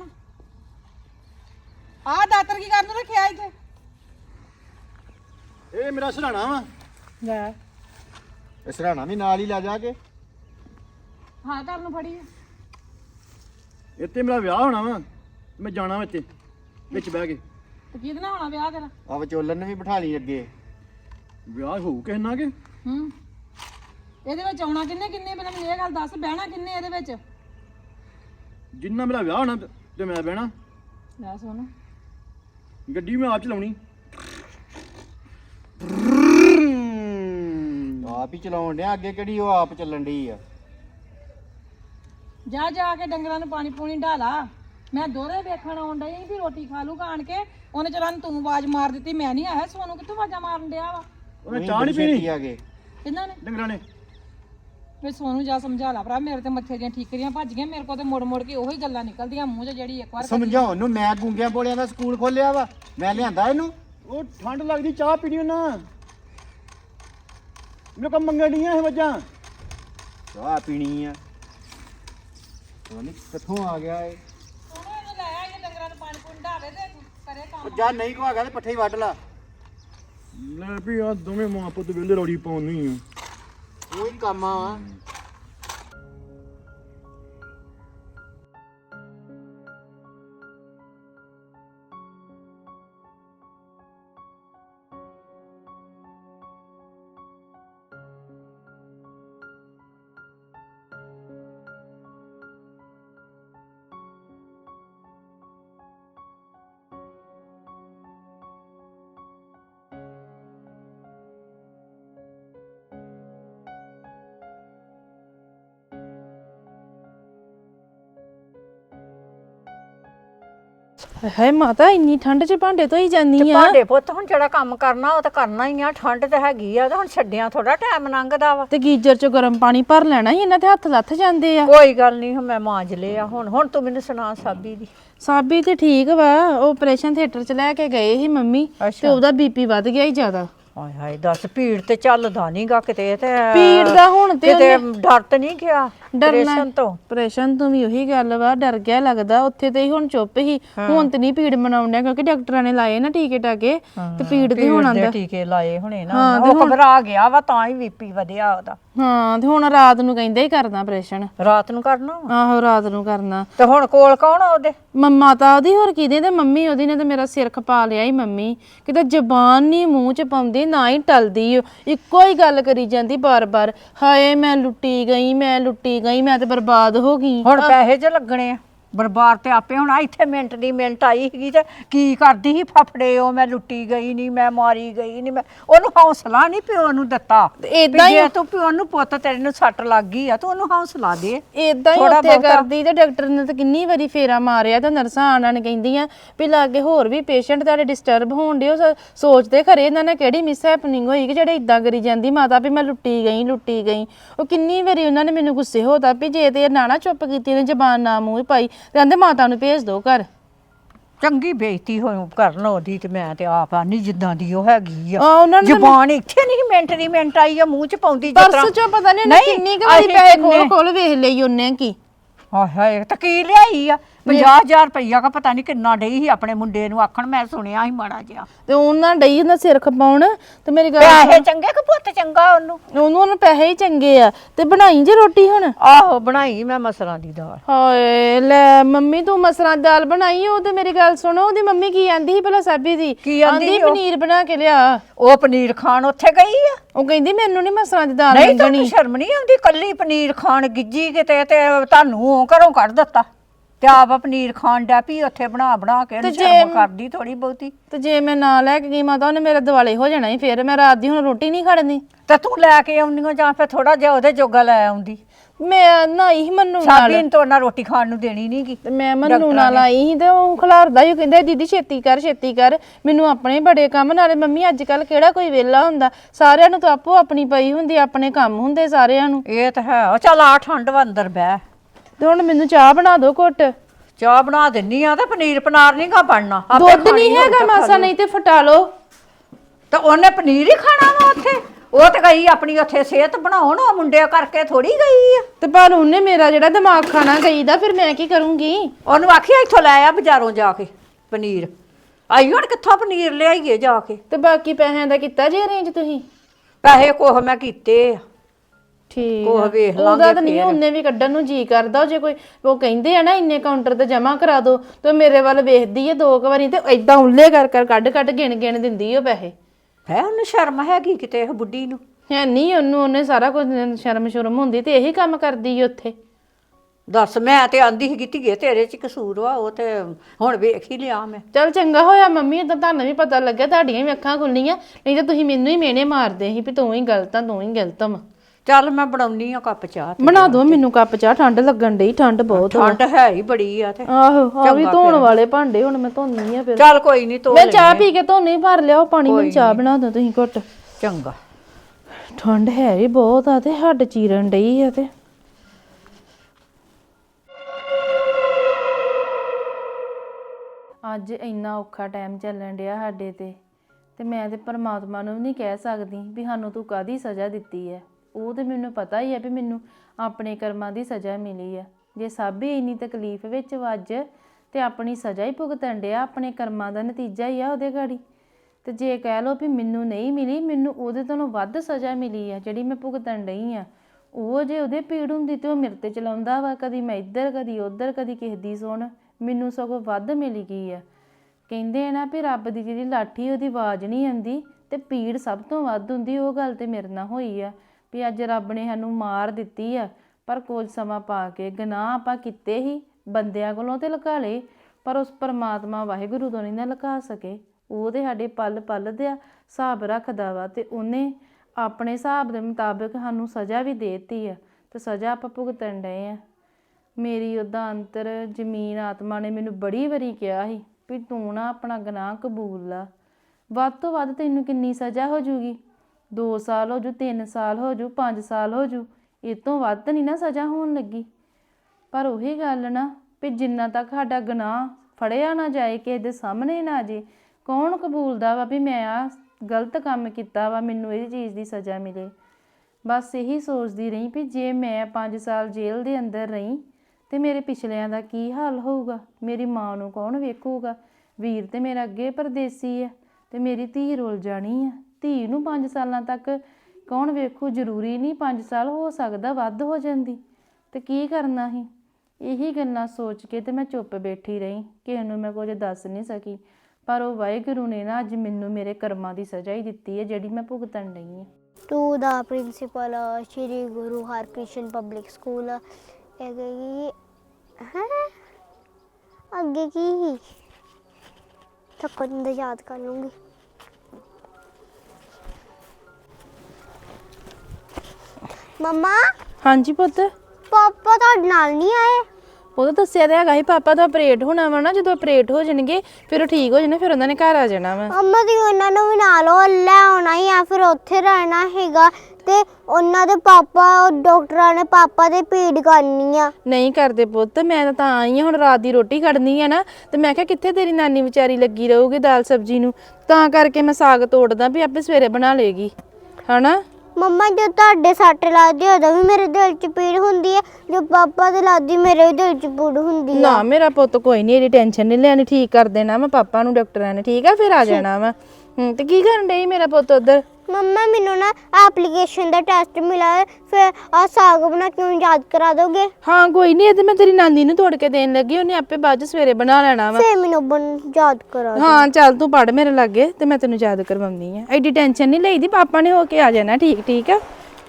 S2: ਆਹ ਦਾਤਰ ਕੀ ਕਰਨ ਰੱਖਿਆ ਇੱਥੇ
S1: ਇਹ ਮੇਰਾ ਸਰਾਣਾ ਵਾ
S2: ਲੈ
S1: ਇਹ ਸਰਾਣਾ ਵੀ ਨਾਲ ਹੀ ਲੈ ਜਾ ਕੇ
S2: ਹਾਂ ਘਰ ਨੂੰ ਫੜੀ
S5: ਇੱਥੇ ਮੇਰਾ ਵਿਆਹ ਹੋਣਾ ਵਾ ਮੈਂ ਜਾਣਾ ਵਾ ਇੱਥੇ ਵਿੱਚ ਬਹਿ ਕੇ
S2: ਤੇ ਕਿਹਦੇ ਨਾਲ ਹੋਣਾ ਵਿਆਹ ਤੇਰਾ
S1: ਆ ਵਿਚੋਲਨ ਨੇ ਵੀ ਬਿਠਾ ਲਈ ਅੱਗੇ
S5: ਵਿਆਹ ਹੋਊ ਕਿਸੇ ਨਾਲ ਕਿ
S2: ਹੂੰ ਇਹਦੇ ਵਿੱਚ ਆਉਣਾ ਕਿੰਨੇ ਕਿੰਨੇ ਪਹਿਲਾਂ ਮੈਨੂੰ ਇਹ ਗੱਲ ਦੱਸ ਬਹਿਣਾ ਕਿੰਨੇ ਇਹਦੇ ਵਿੱਚ
S5: ਜਿੰਨਾ ਮੇਰਾ ਵਿਆਹ ਹੋਣਾ ਤੇ ਮੈਂ ਬਹਿਣਾ
S2: ਲੈ ਸੁਣ
S5: ਗੱਡੀ ਮੈਂ ਆਪ ਚਲਾਉਣੀ
S1: ਆਪ ਹੀ ਚਲਾਉਣ ਡਿਆ ਅੱਗੇ ਕਿਹੜੀ ਉਹ ਆਪ ਚੱਲਣ ਡਈ ਆ
S2: ਜਾ ਜਾ ਕੇ ਡੰਗਰਾਂ ਨੂੰ ਪਾਣੀ ਪੂਣੀ ਢਾਲਾ ਮੈਂ ਦੋਰੇ ਵੇਖਣ ਆਉਣ ਡਈ ਵੀ ਰੋਟੀ ਖਾ ਲੂ ਆਣ ਕੇ ਉਹਨੇ ਚਰਨ ਤੂੰ ਆਵਾਜ਼ ਮਾਰ ਦਿੱਤੀ ਮੈਂ ਨਹੀਂ ਆਇਆ ਸੋਨੂੰ ਕਿੱਥੋਂ ਆਵਾਜ਼ਾਂ ਮਾਰਨ ਡਿਆ ਵਾ
S5: ਉਹਨੇ ਚਾਹ ਨਹੀਂ ਪੀਣੀ
S1: ਆ ਗਏ
S2: ਇਹਨਾਂ ਨੇ
S5: ਡੰਗਰਾਂ ਨੇ
S2: ਵੀ ਸੋਨੂੰ ਜਾ ਸਮਝਾ ਲਾ ਭਰਾ ਮੇਰੇ ਤੇ ਮੱਥੇ ਦੀਆਂ ਠੀਕਰੀਆਂ ਭੱਜ ਗਈਆਂ ਮੇਰੇ ਕੋਲ ਤੇ ਮੁੜ ਮੁੜ ਕੇ ਉਹੀ ਗੱਲਾਂ ਨਿਕਲਦੀਆਂ ਮੂੰਹ 'ਚ ਜਿਹੜੀ ਇੱਕ ਵਾਰ
S1: ਸਮਝਾਉਣ ਨੂੰ ਮੈਂ ਗੁੰਗਿਆਂ ਬੋਲਿਆਂ ਦਾ ਸਕੂਲ ਖੋਲਿਆ ਵਾ ਮੈਂ ਲਿਆਂਦਾ ਇਹਨੂੰ
S5: ਉਹ ਠੰਡ ਲੱਗਦੀ ਚਾਹ ਪੀਣੀ ਉਹਨਾਂ ਮੇਰੇ ਕੋਲ ਮੰਗਣ ਡੀਆਂ ਇਹ ਵਜਾਂ
S1: ਚਾਹ ਪੀਣੀ ਆ ਪਤਾ ਨਹੀਂ ਕਿੱਥੋਂ ਆ ਗਿਆ ਇਹ
S2: ਸੋਨੂੰ ਇਹਨੂੰ ਲੈ ਆਈਏ ਡੰਗਰਾਂ ਨੂੰ ਪਾਣੀ ਪੂਣੀ ਢਾਵੇ ਤੇ ਕਰੇ ਕੰਮ
S1: ਉਹ ਜਾ ਨਹੀਂ ਕੋ ਹੈਗਾ ਤੇ ਪੱਠੇ ਹੀ ਵੱਢ ਲਾ
S5: ਲੈ ਵੀ ਆ ਦੋਵੇਂ ਮਾਂ ਪੁੱਤ ਵੇਲੇ ਰੌੜੀ ਪਾਉਣੀ ਆ
S1: ਉਹੀ ਕੰਮ ਆ
S6: ਹਾਏ ਮਾਤਾ ਇੰਨੀ ਠੰਡ 'ਚ ਭਾਂਡੇ ਧੋਈ ਜਾਂਦੀ ਆ
S7: ਭਾਂਡੇ ਪੁੱਤ ਹੁਣ ਜਿਹੜਾ ਕੰਮ ਕਰਨਾ ਉਹ ਤਾਂ ਕਰਨਾ ਹੀ ਆ ਠੰਡ ਤੇ ਹੈਗੀ ਆ ਤੇ ਹੁਣ ਛੱਡਿਆ ਥੋੜਾ ਟਾਈਮ ਲੰਘਦਾ ਵਾ
S6: ਤੇ ਗੀਜ਼ਰ 'ਚ ਗਰਮ ਪਾਣੀ ਭਰ ਲੈਣਾ ਸੀ ਇਹਨਾਂ ਤੇ ਹੱਥ ਲੱਥ ਜਾਂਦੇ ਆ
S7: ਕੋਈ ਗੱਲ ਨਹੀਂ ਮੈਂ ਮਾਂਜ ਲਏ ਆ ਹੁਣ ਹੁਣ ਤੂੰ ਮੈਨੂੰ ਸੁਣਾ ਸਾਬੀ ਦੀ
S6: ਸਾਬੀ ਤੇ ਠੀਕ ਵਾ ਉਹ ਆਪਰੇਸ਼ਨ ਥੀਏਟਰ 'ਚ ਲੈ ਕੇ ਗਏ ਸੀ ਮੰਮੀ ਤੇ ਉਹਦਾ ਬੀਪੀ ਵੱਧ ਗਿਆ ਹੀ ਜ਼ਿਆਦਾ
S7: ਹਾਏ ਹਾਏ ਦੱਸ ਭੀੜ ਤੇ ਚੱਲਦਾ ਨਹੀਂਗਾ ਕਿਤੇ ਤੇ
S6: ਭੀੜ ਦਾ ਹੁਣ ਤੇ
S7: ਕਿਤੇ ਡਰ ਤੇ ਨਹੀਂ ਗਿਆ
S6: ਡਰਨਾ
S7: ਆਪਰੇਸ਼ਨ ਤੋਂ
S6: ਆਪਰੇਸ਼ਨ ਤੋਂ ਵੀ ਉਹੀ ਗੱਲ ਵਾ ਡਰ ਗਿਆ ਲੱਗਦਾ ਉੱਥੇ ਤੇ ਹੀ ਹੁਣ ਚੁੱਪ ਹੀ ਹੁਣ ਤੇ ਨਹੀਂ ਭੀੜ ਮਨਾਉਂਦੇ ਕਿਉਂਕਿ ਡਾਕਟਰਾਂ ਨੇ ਲਾਏ ਨਾ ਟੀਕੇ ਟਾਕੇ ਤੇ ਭੀੜ ਤੇ ਹੁਣ
S7: ਦੇ
S6: ਆਂਦਾ
S7: ਟੀਕੇ ਲਾਏ ਹੁਣੇ ਨਾ ਉਹ ਘਬਰਾ ਗਿਆ ਵਾ ਤਾਂ ਹੀ ਬੀਪੀ ਵਧਿਆ ਉਹਦਾ
S6: ਹਾਂ ਤੇ ਹੁਣ ਰਾਤ ਨੂੰ ਕਹਿੰਦੇ ਹੀ ਕਰਨਾ ਆਪਰੇਸ਼ਨ
S7: ਰਾਤ ਨੂੰ ਕਰਨਾ ਵਾ।
S6: ਆਹੋ ਰਾਤ ਨੂੰ ਕਰਨਾ
S7: ਤੇ ਹੁਣ ਕੋਲ ਕੌਣ ਆ ਉਹਦੇ
S6: ਮੰਮਾ ਤਾਂ ਉਹਦੀ ਹੋਰ ਕਿਹਦੇ ਤੇ ਮੰਮੀ ਉਹਦੀ ਨੇ ਤੇ ਮੇਰਾ ਸਿਰ ਖਪਾ ਲਿਆ ਹੀ ਮੰਮੀ ਕਿਤੇ ਜ਼ਬਾਨ ਨਹੀਂ ਮੂੰਹ 'ਚ ਪਾਉਂਦੀ ਨਾ ਹੀ ਟਲਦੀ ਓ। ਇੱਕੋ ਹੀ ਗੱਲ ਕਰੀ ਜਾਂਦੀ ਬਾਰ-ਬਾਰ ਹਾਏ ਮੈਂ ਲੁੱਟੀ ਗਈ ਮੈਂ ਲੁੱਟੀ ਗਈ ਮੈਂ ਤੇ ਬਰਬਾਦ ਹੋ ਗਈ
S7: ਹੁਣ ਪੈਸੇ ਚ ਲੱਗਣੇ ਆ ਬਰਬਾਦ ਤੇ ਆਪੇ ਹੋਣਾ। ਇੱਥੇ ਮਿੰਟ ਦੀ ਮਿੰਟ ਆਈ ਸੀਗੀ ਤੇ ਕੀ ਕਰਦੀ ਸੀ ਫਫੜੇ ਉਹ ਮੈਂ ਲੁੱਟੀ ਗਈ ਨਹੀਂ, ਮੈਂ ਮਾਰੀ ਗਈ ਨਹੀਂ, ਮੈਂ ਉਹਨੂੰ ਹੌਸਲਾ ਨਹੀਂ ਪਿਓ ਨੂੰ ਦਿੱਤਾ।
S6: ਏਦਾਂ ਹੀ
S7: ਜੇ ਤੂੰ ਪਿਓ ਨੂੰ ਪੁੱਤ ਤੇਰੇ ਨੂੰ ਸੱਟ ਲੱਗ ਗਈ ਆ ਤੂੰ ਉਹਨੂੰ ਹੌਸਲਾ ਦੇ।
S6: ਏਦਾਂ ਹੀ
S7: ਥੋੜ੍ਹਾ
S6: ਉੱਥੇ
S7: ਬਹੁਤਾ।
S6: ਕਰਦੀ ਤੇ ਡਾਕਟਰ ਨੇ ਤਾਂ ਕਿੰਨੀ ਵਾਰੀ ਫੇਰਾ ਮਾਰਿਆ ਤੇ ਨਰਸਾਂ ਆਣਾਂ ਨੇ ਕਹਿੰਦੀਆਂ ਵੀ ਲਾਗੇ ਹੋਰ ਵੀ ਪੇਸ਼ੈਂਟ ਤੁਹਾਡੇ ਡਿਸਟਰਬ ਹੋਣ ਦੇ। ਉਹ ਸੋਚਦੇ ਖਰੇ ਇਹਨਾਂ ਨੇ ਕਿਹੜੀ ਮਿਸ ਹੈਪਨਿੰਗ ਹੋਈ ਕਿ ਜਿਹੜੇ ਇਦਾਂ ਕਰੀ ਜਾਂਦੀ ਮਾਤਾ ਵੀ ਮੈਂ ਲੁੱਟੀ ਗਈ ਲੁੱਟੀ ਗਈ। ਉਹ ਕਿੰਨੀ ਵਾਰੀ ਉਹਨਾਂ ਨੇ ਮੈਨੂੰ ਗੁੱਸੇ ਹੋਦਾ ਵੀ ਜੇ ਤੇ ਨਾ ਨਾ ਚੁੱਪ ਕੀਤੀ ਨੇ ਜ਼ਬਾਨ ਨਾ ਮੂੰਹ ਪਾਈ ਤੇ ਕਹਿੰਦੇ ਮਾਤਾ ਨੂੰ ਭੇਜ ਦੋ ਘਰ।
S7: ਚੰਗੀ ਬੇਇੱਜ਼ਤੀ ਹੋਈ ਕਰਨ ਉਹਦੀ ਤੇ ਮੈਂ ਤੇ ਆਪ ਆਨੀ ਜਿੱਦਾਂ ਦੀ ਉਹ ਹੈਗੀ ਆ।
S6: ਆ ਉਹਨਾਂ ਨੇ
S7: ਜ਼ਬਾਨ ਇੱਥੇ ਨਹੀਂ ਮਿੰਟ ਦੀ ਮਿੰਟ ਆਈ ਆ ਮੂੰਹ ਚ ਪਾਉਂਦੀ ਜਿਸ ਤਰ੍ਹਾਂ।
S6: ਪਰਸ ਚੋਂ ਪਤਾ ਨਹੀਂ ਉਹਨੇ ਕਿੰਨੀ ਕੁ ਵਾਰੀ ਪੈਸੇ ਖੋਲ ਖੋਲ ਵੇਖ ਲਈ ਉਹਨੇ ਕੀ।
S7: ਹਾਏ ਹਾਏ ਤਾਂ ਕੀ ਲਿਆਈ ਆ ਪੰਜਾਹ ਹਜ਼ਾਰ ਰੁਪਈਆ ਕਾ ਪਤਾ ਨਹੀਂ ਕਿੰਨਾ ਡਈ ਸੀ ਆਪਣੇ ਮੁੰਡੇ ਨੂੰ ਆਖਣ। ਮੈਂ ਸੁਣਿਆ ਸੀ ਮਾੜਾ ਜਿਹਾ
S6: ਤੇ ਉਹਨਾਂ ਡਈ ਉਹਨਾਂ ਸਿਰ ਖਪਾਉਣ ਤੇ ਮੇਰੀ ਗੱਲ
S7: ਪੈਸੇ ਚੰਗੇ ਕਿ ਪੁੱਤ ਚੰਗਾ ਉਹਨੂੰ।
S6: ਉਹਨੂੰ ਉਹਨਾਂ ਪੈਸੇ ਹੀ ਚੰਗੇ ਆ ਤੇ ਬਣਾਈ ਜੇ ਰੋਟੀ ਹੁਣ।
S7: ਆਹੋ ਬਣਾਈ ਮੈਂ ਮਸਰਾਂ ਦੀ ਦਾਲ।
S6: ਹਾਏ ਲੈ ਮੰਮੀ ਤੂੰ ਮਸਰਾਂ ਦੀ ਦਾਲ ਬਣਾਈ। ਉਹ ਤੇ ਮੇਰੀ ਗੱਲ ਸੁਣੋ ਉਹਦੀ ਮੰਮੀ ਕੀ ਆਂਦੀ ਸੀ ਭਲਾ ਸਾਬੀ ਦੀ?
S7: ਕੀ ਆਂਦੀ ਸੀ ਉਹ?
S6: ਪਨੀਰ ਬਣਾ ਕੇ ਲਿਆ।
S7: ਉਹ ਪਨੀਰ ਖਾਣ ਉੱਥੇ ਗਈ ਆ।
S6: ਉਹ ਕਹਿੰਦੀ ਮੈਨੂੰ ਨਹੀਂ ਮਸਰਾਂ ਦੀ ਦਾਲ
S7: ਨਹੀਂ
S6: ਬਣਨੀ।
S7: ਤੈਨੂੰ ਸ਼ਰਮ ਨਹੀਂ ਆਉਂਦੀ? ਕੱਲੀ ਪਨੀਰ ਖਾਣ ਗਿੱਜੀ ਕਿਤੇ ਤੇ ਤੁਹਾਨੂੰ ਘਰੋਂ ਕੱਢ ਦਿੱਤਾ ਤੇ ਆਪ ਪਨੀਰ ਖਾਣ ਡੈ ਪਈ ਉੱਥੇ ਬਣਾ ਬਣਾ ਕੇ। ਸ਼ਰਮ ਕਰਦੀ ਥੋੜੀ ਬਹੁਤੀ।
S6: ਤੇ ਜੇ ਮੈਂ ਨਾ ਲੈ ਕੇ ਗਈ ਮਾਤਾ ਉਹਨੇ ਮੇਰੇ ਦਿਵਾਲੇ ਹੋ ਜਾਣਾ ਸੀ। ਫਿਰ ਮੈਂ ਰਾਤ ਦੀ ਹੁਣ ਰੋਟੀ ਨਹੀਂ ਖੜਨੀ।
S7: ਤੇ ਤੂੰ ਲੈ ਕੇ ਆਉਂਦੀ ਜਾਂ ਫਿਰ ਥੋੜਾ ਜਿਹਾ ਉਹਦੇ ਜੋਗਾ ਲੈ ਆਉਂਦੀ।
S6: ਮੈਂ ਨਾਈ ਹੀ ਮੰਨੂ ਨਾਲ
S7: ਸਾਬੀ ਨੂੰ ਤੋਂ ਨਾ ਰੋਟੀ ਖਾਣ ਨੂੰ ਦੇਣੀ ਨਹੀਂਗੀ।
S6: ਤੇ ਮੈਂ ਮੰਨੂ ਨਾਲ ਆਈ ਸੀ ਤੇ ਉਹ ਖਿਲਾਰਦਾ ਹੀ ਕਹਿੰਦਾ ਦੀਦੀ ਛੇਤੀ ਕਰ ਛੇਤੀ ਕਰ। ਮੈਨੂੰ ਆਪਣੇ ਬੜੇ ਕੰਮ ਨਾਲੇ ਮੰਮੀ ਅੱਜ ਕੱਲ ਕਿਹੜਾ ਕੋਈ ਵਿਹਲਾ ਹੁੰਦਾ। ਸਾਰਿਆਂ ਨੂੰ ਤਾਂ ਆਪੋ ਆਪਣੀ ਪਈ ਹੁੰਦੀ ਆਪਣੇ ਕੰਮ ਹੁੰਦੇ ਸਾਰਿਆਂ ਨੂੰ।
S7: ਇਹ ਤਾਂ ਹੈ। ਉਹ ਚੱਲ ਆ ਠੰਡ ਵਾ ਅੰਦਰ ਬਹਿ।
S6: ਤੇ ਹੁਣ ਮੈਨੂੰ ਚਾਹ ਬਣਾ ਦਿਓ ਘੁੱਟ।
S7: ਚਾਹ ਬਣਾ ਦਿੰਨੀ ਆ ਤੇ ਪਨੀਰ ਪਨਾਰ ਨੀ ਗਾ ਬਣਨਾ।
S6: ਦੁੱਧ ਨਹੀਂ ਹੈਗਾ ਮਾਸਾ ਨਹੀਂ ਤੇ ਫਟਾ ਲਓ।
S7: ਤੇ ਉਹਨੇ ਪਨੀਰ ਹੀ ਖਾਣਾ ਵਾ ਉੱਥੇ। ਉਹ ਤੇ ਗਈ ਆਪਣੀ ਉੱਥੇ ਸਿਹਤ ਬਣਾਉਣ। ਉਹ ਮੁੰਡੇ ਕਰਕੇ ਥੋੜੀ ਗਈ ਆ।
S6: ਤੇ ਪਰ ਉਹਨੇ ਮੇਰਾ ਜਿਹੜਾ ਦਿਮਾਗ ਖਾਣਾ ਗਈਦਾ ਫਿਰ ਮੈਂ ਕੀ ਕਰੂੰਗੀ?
S7: ਉਹਨੂੰ ਆਖਿਆ ਇੱਥੋਂ ਲੈ ਆ ਬਾਜ਼ਾਰੋਂ ਜਾ ਕੇ ਪਨੀਰ। ਆਈ ਹੁਣ ਕਿੱਥੋਂ ਪਨੀਰ ਲਿਆਈਏ ਜਾ ਕੇ।
S6: ਤੇ ਬਾਕੀ ਪੈਸਿਆਂ ਦਾ ਕੀਤਾ ਜੇ ਅਰੇਂਜ ਤੁਸੀਂ?
S7: ਪੈਸੇ ਕੋਹ ਮੈਂ ਕੀਤੇ ਆ।
S6: ਠੀਕ
S7: ਕੋਹ ਵੇਖ
S6: ਉਹਦਾ
S7: ਲਾਂਗੇ
S6: ਤਾਂ ਨਹੀਂ ਉਹਨੇ ਵੀ ਕੱਢਣ ਨੂੰ ਜੀ ਕਰਦਾ। ਜੇ ਕੋਈ ਉਹ ਕਹਿੰਦੇ ਆ ਨਾ ਇੰਨੇ ਕਾਊਂਟਰ ਤੇ ਜਮਾ ਕਰਾ ਦੋ ਤੇ ਮੇਰੇ ਵੱਲ ਵੇਖਦੀ ਏ ਦੋ ਕੁ ਵਾਰੀ ਤੇ ਏਦਾਂ ਉੱਲੇ ਕਰ ਕਰ ਕੱਢ ਕੱਢ ਗਿਣ ਗਿਣ ਦਿੰਦੀ ਉਹ ਪੈਸੇ।
S7: ਹੈ ਉਹਨੂੰ ਸ਼ਰਮ ਹੈਗੀ ਕਿਤੇ ਇਹ ਬੁੱਢੀ ਨੂੰ?
S6: ਹੈ ਨਹੀਂ ਉਹਨੂੰ ਉਹਨੇ ਸਾਰਾ ਕੁਝ ਸ਼ਰਮ ਸ਼ਰਮ ਹੁੰਦੀ ਤੇ ਇਹੀ ਕੰਮ ਕਰਦੀ ਏ ਉੱਥੇ।
S7: ਦੱਸ ਮੈਂ ਤੇ ਆਂਦੀ ਸੀ ਧੀਏ ਤੇਰੇ ਚ ਕਸੂਰ ਵਾ। ਉਹ ਤੇ ਹੁਣ ਵੇਖ ਹੀ ਲਿਆ ਮੈਂ।
S6: ਚੱਲ ਚੰਗਾ ਹੋਇਆ ਮੰਮੀ ਤਾਂ ਤੁਹਾਨੂੰ ਵੀ ਪਤਾ ਲੱਗਿਆ ਤੁਹਾਡੀਆਂ ਵੀ ਅੱਖਾਂ ਖੁੱਲੀਆਂ। ਨਹੀਂ ਤਾਂ ਤੁਸੀਂ ਮੈਨੂੰ ਹੀ ਮੇਨੇ ਮਾਰਦੇ ਸੀ ਵੀ ਤੂੰ ਹੀ ਗਲਤ ਆ ਤੂੰ ਹੀ ਗਲਤ ਆ।
S7: ਚੱਲ ਮੈਂ ਬਣਾਉਣੀ ਆ ਕੱਪ ਚਾਹ।
S6: ਬਣਾ ਦੋ ਮੈਨੂੰ ਕੱਪ ਚਾਹ। ਠੰਡ ਲੱਗਣ ਡਈ ਠੰਡ ਬਹੁਤ।
S7: ਠੰਡ ਹੈ ਹੀ ਬੜੀ ਆ ਤੇ।
S6: ਆਹੋ ਆ ਵੀ ਧੋਣ ਵਾਲੇ ਭਾਂਡੇ ਹੁਣ ਮੈਂ ਧੋਣੀ ਆ ਫਿਰ।
S7: ਚੱਲ ਕੋਈ ਨਹੀਂ ਧੋ
S6: ਮੈਂ ਚਾਹ ਪੀ ਕੇ ਧੋਣੀ ਭਰ ਲਿਆਓ ਪਾਣੀ। ਮੈਨੂੰ ਚਾਹ ਬਣਾ ਦੋ ਤੁਸੀਂ ਘੁੱਟ।
S7: ਚੰਗਾ।
S6: ਠੰਡ ਹੈ ਹੀ ਬਹੁਤ ਆ ਤੇ ਹੱਡ ਚੀਰਨ ਡਈ ਆ ਤੇ। ਅੱਜ ਇੰਨਾ ਔਖਾ ਟਾਈਮ ਚੱਲਣ ਡਿਆ ਸਾਡੇ ਤੇ ਤੇ ਮੈਂ ਤੇ ਪਰਮਾਤਮਾ ਨੂੰ ਵੀ ਨਹੀਂ ਕਹਿ ਸਕਦੀ ਵੀ ਸਾਨੂੰ ਤੂੰ ਕਾਹਦੀ ਸਜ਼ਾ ਦਿੱਤੀ ਹੈ। ਉਹ ਤੇ ਮੈਨੂੰ ਪਤਾ ਹੀ ਹੈ ਵੀ ਮੈਨੂੰ ਆਪਣੇ ਕਰਮਾਂ ਦੀ ਸਜ਼ਾ ਮਿਲੀ ਆ। ਜੇ ਸਭ ਹੀ ਇੰਨੀ ਤਕਲੀਫ ਵਿੱਚ ਵੱਜ ਤੇ ਆਪਣੀ ਸਜ਼ਾ ਹੀ ਭੁਗਤਣ ਡਿਆ ਆਪਣੇ ਕਰਮਾਂ ਦਾ ਨਤੀਜਾ ਹੀ ਆ ਉਹਦੇ ਗਾੜੀ। ਤੇ ਜੇ ਕਹਿ ਲਓ ਵੀ ਮੈਨੂੰ ਨਹੀਂ ਮਿਲੀ ਮੈਨੂੰ ਉਹਦੇ ਤੋਂ ਵੱਧ ਸਜ਼ਾ ਮਿਲੀ ਆ ਜਿਹੜੀ ਮੈਂ ਭੁਗਤਣ ਡਈ ਆ। ਉਹ ਜੇ ਉਹਦੇ ਪੀੜ ਹੁੰਦੀ ਤੇ ਉਹ ਮੇਰੇ ਤੇ ਚਲਾਉਂਦਾ ਵਾ ਕਦੀ ਮੈਂ ਇੱਧਰ ਕਦੀ ਉੱਧਰ ਕਦੀ ਕਿਸੇ ਦੀ ਸੁਣ। ਮੈਨੂੰ ਸਗੋਂ ਵੱਧ ਮਿਲ ਗਈ ਆ। ਕਹਿੰਦੇ ਆ ਨਾ ਵੀ ਰੱਬ ਦੀ ਜਿਹੜੀ ਲਾਠੀ ਉਹਦੀ ਆਵਾਜ਼ ਨਹੀਂ ਆਉਂਦੀ ਤੇ ਪੀੜ ਸਭ ਤੋਂ ਵੱਧ ਹੁੰਦੀ। ਉਹ ਗੱਲ ਤੇ ਮੇਰੇ ਨਾਲ ਹੋਈ ਆ ਵੀ ਅੱਜ ਰੱਬ ਨੇ ਸਾਨੂੰ ਮਾਰ ਦਿੱਤੀ ਆ ਪਰ ਕੁਝ ਸਮਾਂ ਪਾ ਕੇ। ਗੁਨਾਹ ਆਪਾਂ ਕੀਤੇ ਹੀ ਬੰਦਿਆਂ ਕੋਲੋਂ ਤੇ ਲੁਕਾ ਲਏ ਪਰ ਉਸ ਪਰਮਾਤਮਾ ਵਾਹਿਗੁਰੂ ਤੋਂ ਨਹੀਂ ਨਾ ਲੁਕਾ ਸਕੇ। ਉਹ ਤੇ ਸਾਡੇ ਪਲ ਪਲ ਦਾ ਹਿਸਾਬ ਰੱਖਦਾ ਵਾ ਤੇ ਉਹਨੇ ਆਪਣੇ ਹਿਸਾਬ ਦੇ ਮੁਤਾਬਕ ਸਾਨੂੰ ਸਜ਼ਾ ਵੀ ਦੇ ਦਿੱਤੀ ਆ ਤੇ ਸਜ਼ਾ ਆਪਾਂ ਭੁਗਤਣ ਡਏ ਆ। ਮੇਰੀ ਉਹਦਾ ਅੰਤਰ ਜ਼ਮੀਨ ਆਤਮਾ ਨੇ ਮੈਨੂੰ ਬੜੀ ਵਾਰੀ ਕਿਹਾ ਸੀ ਵੀ ਤੂੰ ਨਾ ਆਪਣਾ ਗੁਨਾਹ ਕਬੂਲ ਲਾ। ਵੱਧ ਤੋਂ ਵੱਧ ਤੈਨੂੰ ਕਿੰਨੀ ਸਜ਼ਾ ਹੋ ਜੂਗੀ? ਦੋ ਸਾਲ ਹੋ ਜੂ, ਤਿੰਨ ਸਾਲ ਹੋ ਜੂ, ਪੰਜ ਸਾਲ ਹੋ ਜੂ। ਇਹ ਤੋਂ ਵੱਧ ਨਹੀਂ ਨਾ ਸਜ਼ਾ ਹੋਣ ਲੱਗੀ। ਪਰ ਉਹੀ ਗੱਲ ਨਾ ਵੀ ਜਿੰਨਾ ਤੱਕ ਸਾਡਾ ਗੁਨਾਹ ਫੜਿਆ ਨਾ ਜਾਏ ਕਿਸੇ ਦੇ ਸਾਹਮਣੇ ਨਾ ਜੇ ਕੌਣ ਕਬੂਲਦਾ ਵਾ ਵੀ ਮੈਂ ਆ ਗਲਤ ਕੰਮ ਕੀਤਾ ਵਾ ਮੈਨੂੰ ਇਹ ਚੀਜ਼ ਦੀ ਸਜ਼ਾ ਮਿਲੇ। ਬਸ ਇਹੀ ਸੋਚਦੀ ਰਹੀ ਵੀ ਜੇ ਮੈਂ ਪੰਜ ਸਾਲ ਜੇਲ੍ਹ ਦੇ ਅੰਦਰ ਰਹੀ ਤੇ ਮੇਰੇ ਪਿਛਲਿਆਂ ਦਾ ਕੀ ਹਾਲ ਹੋਊਗਾ? ਮੇਰੀ ਮਾਂ ਨੂੰ ਕੌਣ ਵੇਖੂਗਾ? ਵੀਰ ਤੇ ਮੇਰਾ ਅੱਗੇ ਪਰਦੇਸੀ ਆ ਤੇ ਮੇਰੀ ਧੀ ਰੁੱਲ ਜਾਣੀ ਆ। ਧੀ ਨੂੰ ਪੰਜ ਸਾਲਾਂ ਤੱਕ ਕੌਣ ਵੇਖੂ? ਜ਼ਰੂਰੀ ਨਹੀਂ ਪੰਜ ਸਾਲ, ਹੋ ਸਕਦਾ ਵੱਧ ਹੋ ਜਾਂਦੀ। ਤੇ ਕੀ ਕਰਨਾ ਸੀ? ਇਹੀ ਗੱਲਾਂ ਸੋਚ ਕੇ ਤੇ ਮੈਂ ਚੁੱਪ ਬੈਠੀ ਰਹੀ। ਕਿਸੇ ਨੂੰ ਮੈਂ ਕੁਝ ਦੱਸ ਨਹੀਂ ਸਕੀ ਪਰ ਉਹ ਵਾਹਿਗੁਰੂ ਨੇ ਨਾ ਅੱਜ ਮੈਨੂੰ ਮੇਰੇ ਕਰਮਾਂ ਦੀ ਸਜ਼ਾ ਹੀ ਦਿੱਤੀ ਹੈ ਜਿਹੜੀ ਮੈਂ ਭੁਗਤਣ ਡਈ ਹਾਂ।
S8: ਟੂ ਦਾ principal Shri Guru Harkrishan public school ਇਹ ਗਈ ਹੈ ਅੱਗੇ ਕੀ ਹੀ ਥੱਕਣ ਦਾ ਯਾਦ ਕਰ ਲੂੰਗੀ। ਮੰਮਾ
S6: ਹਾਂਜੀ ਪੁੱਤ,
S8: ਪਾਪਾ ਤੁਹਾਡੇ ਨਾਲ ਨਹੀਂ ਆਏ?
S6: ਉਹ ਤਾਂ ਦੱਸਿਆ ਤਾਂ ਹੈਗਾ ਸੀ ਪਾਪਾ ਦਾ ਆਪਰੇਟ ਹੋਣਾ ਵਾ ਨਾ, ਜਦੋਂ ਆਪਰੇਟ ਹੋ ਜਾਣਗੇ ਫਿਰ ਉਹ ਠੀਕ ਹੋ ਜਾਣਾ, ਫਿਰ ਉਹਨਾਂ ਨੇ ਘਰ ਆ ਜਾਣਾ ਵਾ।
S8: ਮੰਮਾ ਦੀ ਉਹਨਾਂ ਨੂੰ ਵੀ ਨਾਲ ਉਹ ਲੈ ਆਉਣਾ ਹੀ ਆ, ਫਿਰ ਉੱਥੇ ਰਹਿਣਾ ਹੈਗਾ ਤੇ ਉਹਨਾਂ ਦੇ ਪਾਪਾ ਡਾਕਟਰਾਂ ਨੇ ਪਾਪਾ ਦੇ ਪੀੜ ਕਰਨੀ ਆ।
S6: ਨਹੀਂ ਕਰਦੇ ਪੁੱਤ, ਮੈਂ ਤਾਂ ਆਈ ਹਾਂ ਹੁਣ, ਰਾਤ ਦੀ ਰੋਟੀ ਕੱਢਣੀ ਆ ਨਾ, ਤੇ ਮੈਂ ਕਿਹਾ ਕਿੱਥੇ ਤੇਰੀ ਨਾਨੀ ਵਿਚਾਰੀ ਲੱਗੀ ਰਹੂਗੀ ਦਾਲ ਸਬਜ਼ੀ ਨੂੰ, ਤਾਂ ਕਰਕੇ ਮੈਂ ਸਾਗ ਤੋੜਦਾ ਵੀ ਆਪੇ ਸਵੇਰੇ ਬਣਾ ਲੇਗੀ, ਹਨਾ।
S8: ਮੰਮਾ ਜੋ ਤੁਹਾਡੇ ਸੱਟ ਲੱਗਦੀ ਉਦੋਂ ਵੀ ਮੇਰੇ ਦਿਲ 'ਚ ਪੀੜ ਹੁੰਦੀ ਹੈ, ਜੋ ਪਾਪਾ ਦੇ ਲੱਗਦੀ ਮੇਰੇ ਵੀ ਦਿਲ 'ਚ ਪੀੜ ਹੁੰਦੀ ਆ।
S6: ਨਾ ਮੇਰਾ ਪੁੱਤ ਕੋਈ ਨਹੀਂ, ਇਹਦੀ ਟੈਨਸ਼ਨ ਨਹੀਂ ਲੈਣੀ, ਠੀਕ ਕਰ ਦੇਣਾ ਮੈਂ ਪਾਪਾ ਨੂੰ ਡਾਕਟਰਾਂ ਨੇ, ਠੀਕ ਆ, ਫਿਰ ਆ ਜਾਣਾ ਵਾ। ਹੂੰ ਤੇ ਕੀ ਕਰਨ ਡਈ ਮੇਰਾ ਪੁੱਤ ਉਧਰ?
S8: ਮੰਮਾ ਮੈਨੂੰ ਨਾ ਐਪਲੀਕੇਸ਼ਨ ਦਾ ਟੈਸਟ ਮਿਲਾ ਹੈ, ਫਿਰ ਆ ਸਾਗ ਬਣਾ ਕਿਉਂ ਯਾਦ ਕਰਾ ਦੋਗੇ?
S6: ਹਾਂ ਕੋਈ ਨਹੀਂ, ਇਹ ਤੇ ਮੈਂ ਤੇਰੀ ਨਾਨੀ ਨੂੰ ਤੋੜ ਕੇ ਦੇਣ ਲੱਗੀ, ਉਹਨੇ ਆਪੇ ਬਾਅਦ ਚ ਸਵੇਰੇ ਬਣਾ ਲੈਣਾ ਵਾ।
S8: ਫਿਰ ਮੈਨੂੰ ਬਣ ਯਾਦ ਕਰਾ ਦਿਓ।
S6: ਹਾਂ ਚੱਲ ਤੂੰ ਪੜ ਮੇਰੇ ਲਾਗੇ ਤੇ ਮੈਂ ਤੈਨੂੰ ਯਾਦ ਕਰਵਾਉਂਦੀ ਆ, ਐਡੀ ਟੈਨਸ਼ਨ ਨਹੀਂ ਲਈਦੀ, ਪਾਪਾ ਨੇ ਹੋ ਕੇ ਆ ਜਾਣਾ, ਠੀਕ ਠੀਕ ਆ।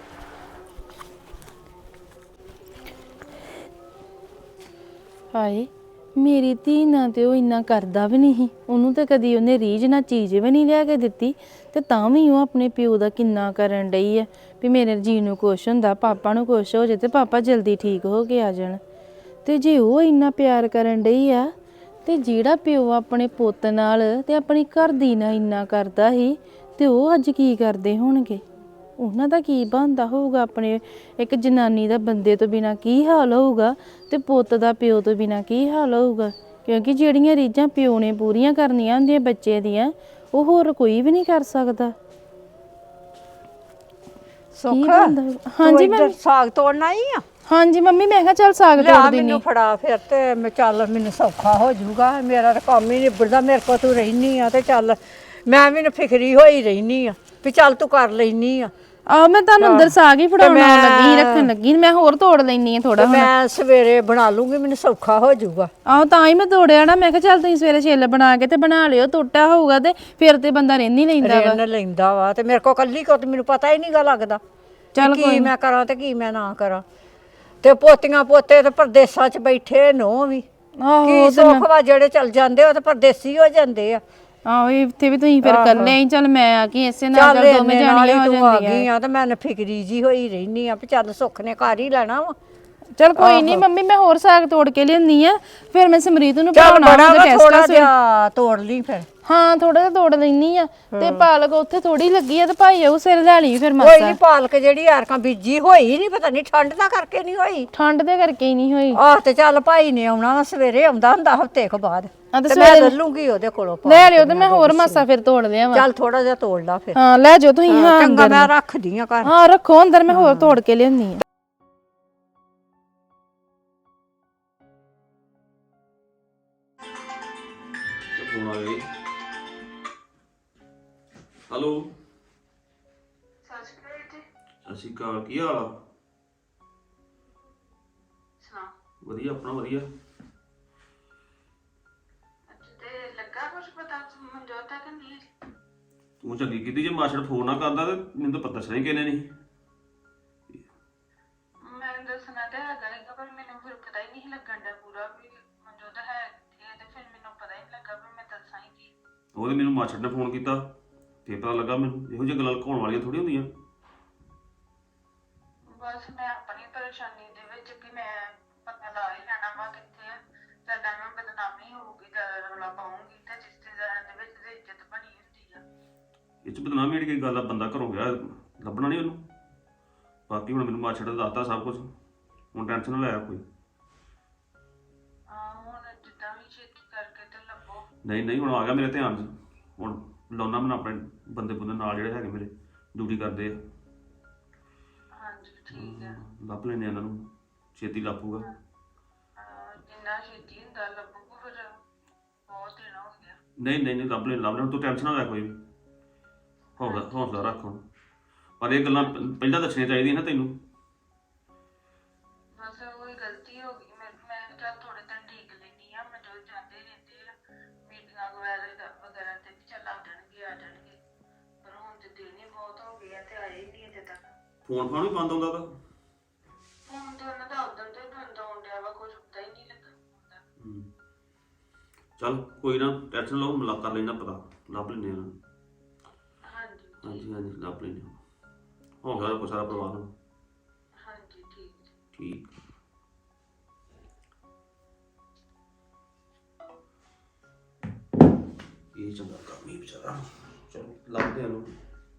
S6: ਹਾਏ ਮੇਰੀ ਧੀ ਨਾਲ ਤੇ ਉਹ ਇੰਨਾ ਕਰਦਾ ਵੀ ਨਹੀਂ, ਉਹਨੂੰ ਤੇ ਕਦੀ ਉਹਨੇ ਰੀਝ ਨਾਲ ਚੀਜ਼ ਵੀ ਨਹੀਂ ਲਿਆ ਕੇ ਦਿੱਤੀ, ਤੇ ਤਾਂ ਵੀ ਉਹ ਆਪਣੇ ਪਿਓ ਦਾ ਕਿੰਨਾ ਕਰਨ ਡਈ ਹੈ ਵੀ ਮੇਰੇ ਜੀ ਨੂੰ ਕੁਛ ਹੁੰਦਾ, ਪਾਪਾ ਨੂੰ ਕੁਛ ਹੋ ਜੇ ਤੇ ਪਾਪਾ ਜਲਦੀ ਠੀਕ ਹੋ ਕੇ ਆ ਜਾਣ। ਤੇ ਜੇ ਉਹ ਇੰਨਾ ਪਿਆਰ ਕਰਨ ਡਈ ਆ, ਤੇ ਜਿਹੜਾ ਪਿਓ ਆਪਣੇ ਪੁੱਤ ਨਾਲ ਤੇ ਆਪਣੀ ਘਰ ਦੀ ਨਾਲ ਇੰਨਾ ਕਰਦਾ ਸੀ, ਤੇ ਉਹ ਅੱਜ ਕੀ ਕਰਦੇ ਹੋਣਗੇ? ਉਹਨਾਂ ਦਾ ਕੀ ਬਣਦਾ ਹੋਊਗਾ? ਆਪਣੇ ਇੱਕ ਜਨਾਨੀ ਦਾ ਬੰਦੇ ਤੋਂ ਬਿਨਾ ਕੀ ਹਾਲ ਹੋਊਗਾ, ਤੇ ਪੁੱਤ ਦਾ ਪਿਓ ਤੋਂ ਬਿਨਾ ਕੀ ਹਾਲ ਹੋਊਗਾ? ਕਿਉਂਕਿ ਜਿਹੜੀਆਂ ਰੀਝਾਂ ਪਿਓ ਨੇ ਪੂਰੀਆਂ ਕਰਨੀਆਂ ਹੁੰਦੀਆਂ ਬੱਚੇ ਦੀਆਂ, ਉਹ ਹੋਰ ਕੋਈ ਵੀ ਨਹੀਂ ਕਰ ਸਕਦਾ।
S7: ਸੁੱਖ
S6: ਹਾਂਜੀ ਮੈਂ
S7: ਸਾਗ ਤੋੜਨਾ ਹੀ ਆ।
S6: ਹਾਂਜੀ ਮੰਮੀ, ਮੈਂ ਕਿਹਾ ਚੱਲ ਸਾਗ
S7: ਲਿਆ
S6: ਤੋੜ ਦਿੰਨੀ।
S7: ਮੈਨੂੰ ਫੜਾ ਫਿਰ, ਤੇ ਮੈਂ ਚੱਲ ਮੈਨੂੰ ਸੌਖਾ ਹੋ ਜਾਊਗਾ, ਮੇਰਾ ਤਾਂ ਕੰਮ ਹੀ ਨਿਬੜਦਾ, ਮੇਰੇ ਕੋਲ ਤੂੰ ਰਹਿਨੀ ਆ ਤੇ ਚੱਲ ਮੈਂ ਵੀ ਨਾ ਫਿਕਰੀ ਹੋਈ ਰਹਿਨੀ ਆ ਵੀ ਚੱਲ ਤੂੰ ਕਰ ਲੈਨੀ ਆ।
S6: ਆ ਮੈਂ ਤੁਹਾਨੂੰ ਅੰਦਰ ਸਾਗ ਹੀ ਫੜਾਉਣ ਲੱਗੀ, ਰੱਖਣ ਲੱਗੀ, ਮੈਂ ਹੋਰ ਤੋੜ ਲੈਣੀ ਆ ਥੋੜਾ।
S7: ਮੈਂ ਸਵੇਰੇ ਬਣਾ ਲੂੰਗੀ, ਮੈਨੂੰ ਸੌਖਾ ਹੋ ਜਾਊਗਾ।
S6: ਆਹੋ ਤਾਂ ਹੀ ਮੈਂ ਤੋੜਿਆ ਨਾ, ਮੈਂ ਕਿਹਾ ਚੱਲ ਤੁਸੀਂ ਸਵੇਰੇ ਛਿੱਲ ਬਣਾ ਕੇ ਤੇ ਬਣਾ ਲਿਓ, ਟੁੱਟਾ ਹੋਊਗਾ ਤੇ ਫਿਰ ਤੇ ਬੰਦਾ ਰਹਿਣ ਹੀ ਲੈਂਦਾ ਵਾ।
S7: ਰਹਿਣ ਲੈਂਦਾ ਵਾ, ਤੇ ਮੇਰੇ ਕੋਲ ਕੱਲੀ ਕੋ ਤੇ ਮੈਨੂੰ ਪਤਾ ਹੀ ਨਹੀਂਗਾ ਲੱਗਦਾ
S6: ਚੱਲ
S7: ਕੀ ਮੈਂ ਕਰਾਂ ਤੇ ਕੀ ਮੈਂ ਨਾ ਕਰਾਂ। ਤੇ ਪੋਤੀਆਂ ਪੋਤੇ ਤੇ ਪਰਦੇਸਾਂ 'ਚ ਬੈਠੇ ਨੋ ਵੀ ਕੀ ਸੁੱਖ ਵਾ, ਜਿਹੜੇ ਚਲ ਜਾਂਦੇ ਉਹ ਤੇ ਪਰਦੇਸੀ ਹੋ ਜਾਂਦੇ ਆ।
S6: ਆਹੋ ਇੱਥੇ ਵੀ ਤੁਸੀਂ ਫਿਰ ਕੱਲੇ ਹੀ, ਚੱਲ ਮੈਂ ਆ ਗਈ ਇਸੇ ਨਾਲ, ਚੱਲ ਦੋਵੇਂ ਜਾਣੀਆਂ ਹੋ ਜਾਂਦੀਆਂ।
S7: ਤੇ ਮੈਂ ਫਿਕਰੀ ਜੀ ਹੋਈ ਰਹਿਨੀ ਆ ਵੀ ਚੱਲ ਸੁੱਖ ਨੇ ਘਰ ਹੀ ਲੈਣਾ ਵਾ।
S6: ਚੱਲ ਕੋਈ ਨਹੀਂ ਮੰਮੀ, ਮੈਂ ਹੋਰ ਸਾਗ ਤੋੜ ਕੇ ਲਿਆਉਂਦੀ ਆ, ਫਿਰ ਮੈਂ ਸਮਰੀਤ ਨੂੰ
S7: ਚੱਲ
S6: ਪੜਾਉਣਾ
S7: ਬੜਾ
S6: ਉਹਦਾ
S7: ਥੋੜਾ
S6: ਟੈਸਟ।
S7: ਜਿਹਾ ਤੋੜ ਲਈ ਫਿਰ।
S6: ਹਾਂ ਥੋੜਾ ਜਿਹਾ ਤੋੜ ਲੈਣੀ ਆ, ਤੇ ਪਾਲਕ ਉੱਥੇ ਥੋੜੀ ਲੱਗੀ ਆ, ਤੇ ਭਾਈ ਉਹ ਸਿਰ ਲੈ ਲਈ ਫਿਰ
S7: ਕੋਈ
S6: ਮਾਸਾ।
S7: ਨਹੀਂ, ਪਾਲਕ ਜਿਹੜੀ ਐਰਕਾਂ ਬੀਜੀ ਹੋਈ ਨਹੀਂ, ਪਤਾ ਨਹੀਂ ਠੰਡ ਦਾ ਕਰਕੇ ਨਹੀਂ ਹੋਈ।
S6: ਠੰਡ ਦੇ ਕਰਕੇ ਹੀ ਨਹੀਂ ਹੋਈ।
S7: ਆਹ ਤੇ ਚੱਲ ਭਾਈ ਨੇ ਆਉਣਾ ਵਾ ਸਵੇਰੇ, ਆਉਂਦਾ ਹੁੰਦਾ ਹਫਤੇ ਕੁ ਬਾਅਦ,
S6: ਆ ਤੇ
S7: ਤੇ ਮੈਂ ਲੈ ਲੂੰਗੀ ਉਹਦੇ ਕੋਲੋਂ।
S6: ਲੈ ਲਿਓ, ਤੇ ਮੈਂ ਹੋਰ ਮਾਸਾ ਫਿਰ ਤੋੜ ਲਿਆ ਵਾ।
S7: ਚੱਲ ਥੋੜਾ ਜਿਹਾ ਤੋੜ ਲਾ ਫਿਰ।
S6: ਹਾਂ ਲੈ ਜਾਓ ਤੁਸੀਂ। ਹਾਂ
S7: ਚੰਗਾ, ਮੈਂ ਰੱਖਦੀ ਆ ਘਰ।
S6: ਹਾਂ ਰੱਖੋ ਅੰਦਰ, ਮੈਂ ਹੋਰ ਤੋੜ ਕੇ ਲਿਆਉਂਦੀ ਆ।
S9: ਹੈਲੋ ਸਤਿ ਸ਼੍ਰੀ ਅਕਾਲ, ਕੀ ਹਾਲ ਆ? ਵਧੀਆ, ਆਪਣਾ ਵਧੀਆ।
S2: ਤੇ ਲੱਗਾ ਕੁਝ ਪਤਾ ਮਨਜੋਤ ਦਾ ਕਿ ਨਹੀਂ?
S9: ਤੂੰ ਚੰਗੀ ਕੀਤੀ, ਜੇ ਮਾਸੜ ਫੋਨ ਨਾ ਕਰਦਾ ਤੇ ਮੈਨੂੰ ਤਾਂ ਪਤਾ ਦੱਸਣਾ ਹੀ ਕਿਹਨੇ ਨਹੀਂ।
S2: ਮੈਂ ਦੱਸਣਾ ਤੇ ਹੈਗਾ ਹੀ, ਪਰ ਮੈਨੂੰ ਫਿਰ ਪਤਾ ਹੀ ਨਹੀਂ ਲੱਗਣ ਦਾ ਪੂਰਾ ਵੀ ਮਨਜੋਤ ਹੈ ਕਿੱਥੇ, ਤੇ ਫਿਰ ਮੈਨੂੰ ਪਤਾ ਹੀ ਨਹੀਂ ਲੱਗਾ ਵੀ ਮੈਂ ਦੱਸਾਂ ਹੀ ਕੀ।
S9: ਉਹਦੇ ਮੈਨੂੰ ਮਾਸੜ ਨੇ ਫੋਨ ਕੀਤਾ ਤੇ ਪਤਾ ਲੱਗਾ ਮੈਨੂੰ। ਇਹੋ ਜਿਹੀਆਂ ਗੱਲਾਂ ਲੁਕਾਉਣ ਵਾਲੀਆਂ ਥੋੜੀ ਹੁੰਦੀਆਂ।
S2: ਬਸ ਮੈਂ ਆਪਣੀ ਪਰੇਸ਼ਾਨੀ ਦੇ ਵਿੱਚ ਕਿ ਮੈਂ ਪਤਾ ਲਾ ਹੀ ਲੈਣਾ ਵਾ ਕਿੱਥੇ ਆ, ਸਾਡਾ ਮੈਂ ਬਦਨਾਮੀ ਹੋਊਗੀ, ਜ਼ਿਆਦਾ ਰੌਲਾ ਪਾਉਂਗੀ ਤੇ ਰਿਸ਼ਤੇਦਾਰਾਂ ਦੇ ਵਿੱਚ ਤੇ ਇੱਜ਼ਤ ਬਣੀ ਹੁੰਦੀ ਆ।
S9: ਇਹ 'ਚ ਬਦਨਾਮੀ ਜਿਹੜੀ ਕੋਈ ਗੱਲ ਆ, ਬੰਦਾ ਘਰੋਂ ਗਿਆ ਲੱਭਣਾ ਨਹੀਂ ਉਹਨੂੰ। ਬਾਕੀ ਹੁਣ ਮੈਨੂੰ ਮਾਸੜ ਨੇ ਦੱਸਤਾ ਸਭ ਕੁਝ, ਹੁਣ ਟੈਨਸ਼ਨ ਨਾ ਲੈ ਕੋਈ।
S2: ਹਾਂ ਹੁਣ ਜਿੱਦਾਂ ਵੀ ਛੇਤੀ ਕਰਕੇ ਤੇ ਲੱਭੋ।
S9: ਨਹੀਂ ਨਹੀਂ, ਹੁਣ ਆ ਗਿਆ ਮੇਰੇ ਧਿਆਨ 'ਚ, ਹੁਣ ਲਾਉਣਾ ਮੈਂ ਆਪਣੇ ਬੰਦੇ ਬੰਦੇ ਨਾਲ ਜਿਹੜੇ ਹੈਗੇ ਮੇਰੇ ਡਿਊਟੀ ਕਰਦੇ ਆ।
S2: ਹਾਂਜੀ ਠੀਕ ਆ,
S9: ਲੱਭ ਲੈਂਦੇ ਇਹਨਾਂ ਨੂੰ, ਛੇਤੀ ਲੱਭੂਗਾ।
S2: ਜਿੰਨਾ ਛੇਤੀ ਹੁੰਦਾ ਲੱਭੂਗਾ, ਫਿਰ ਬਹੁਤ ਦਿਨ ਹੋ ਗਿਆ।
S9: ਨਹੀਂ ਨਹੀਂ ਨਹੀਂ, ਲੱਭ ਲੈ ਲੱਭ ਲੈ, ਤੂੰ ਟੈਨਸ਼ਨ ਨਾ ਲੈ ਕੋਈ ਵੀ। ਹੌਸਲਾ ਹੌਸਲਾ ਰੱਖ ਹੁਣ, ਪਰ ਇਹ ਗੱਲਾਂ ਪਹਿਲਾਂ ਦੱਸਣੀਆਂ ਚਾਹੀਦੀਆਂ ਨਾ ਤੈਨੂੰ।
S2: ਬਸ ਉਹੀ ਗਲਤੀ ਹੋ ਗਈ ਮੇਰੇ, ਮੈਂ ਚੱਲ ਥੋੜੇ ਦਿਨ ਠੀਕ ਲੈਂਦੀ ਆ, ਮੈਂ ਜੋ ਜਾਂਦੇ ਰਹਿੰਦੇ ਆ ਮੀਟਿੰਗਾਂ ਵਗੈਰਾ ਵਗੈਰਾ ਤੇ ਵੀ ਚੱਲ ਆ ਜਾਣਗੇ ਆ ਜਾਣਗੇ, ਪਰ ਹੁਣ ਤੇ ਦਿਨ ਹੀ ਬਹੁਤ ਹੋ ਗਏ ਆ ਤੇ ਆਏ ਹੀ ਨਹੀਂ ਅਜੇ ਤੱਕ।
S9: ਫੋਨ ਫਾਨ ਵੀ ਬੰਦ ਆਉਂਦਾ ਤਾਂ।
S2: ਹੁਣ ਤੇ ਉਹਨਾਂ ਦਾ ਉਦੋਂ ਤੋਂ ਹੀ ਬੰਦ ਆਉਣ ਡਿਆ ਵਾ, ਕੁਝ ਪਤਾ ਹੀ ਨਹੀਂ ਲੱਗਾ ਹੁੰਦਾ।
S9: ਚੱਲ ਕੋਈ ਨਾ ਟੈਨਸ਼ਨ ਲਓ, ਮਿਲਾ ਕਰ ਲੈਣਾ ਪਤਾ, ਲੱਭ ਲੈਂਦੇ ਹਾਂ। ਹਾਂਜੀ ਹਾਂਜੀ ਹਾਂਜੀ ਲੱਭ ਲੈਂਦੇ ਹਾਂ। ਹੋ ਗਿਆ ਕੋਈ ਸਾਰਾ ਪਰਿਵਾਰ ਨੂੰ? ਹਾਂਜੀ ਠੀਕ ਠੀਕ। ਇਹ ਚੰਗਾ ਕੰਮ ਹੀ ਵਿਚਾਰਾ। ਚਲੋ ਲੱਭਦੇ ਹਾਂ ਨੂੰ।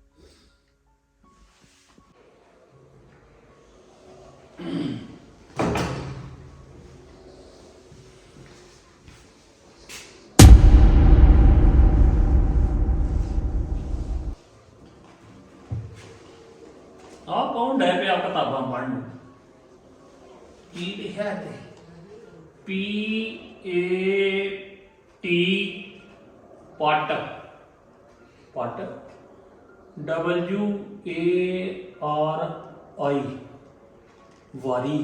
S4: ਆਹ ਕੌਣ ਡੈ ਪਿਆ ਕਿਤਾਬਾਂ ਪੜ੍ਹਨ? ਕੀ ਲਿਖਿਆ ਤੇ ਪੀ ਏ ਟੀ ਪਟ ਪਟ ਡਬਲਯੂ ਏ ਆਰ ਆਈ ਵਾਰੀ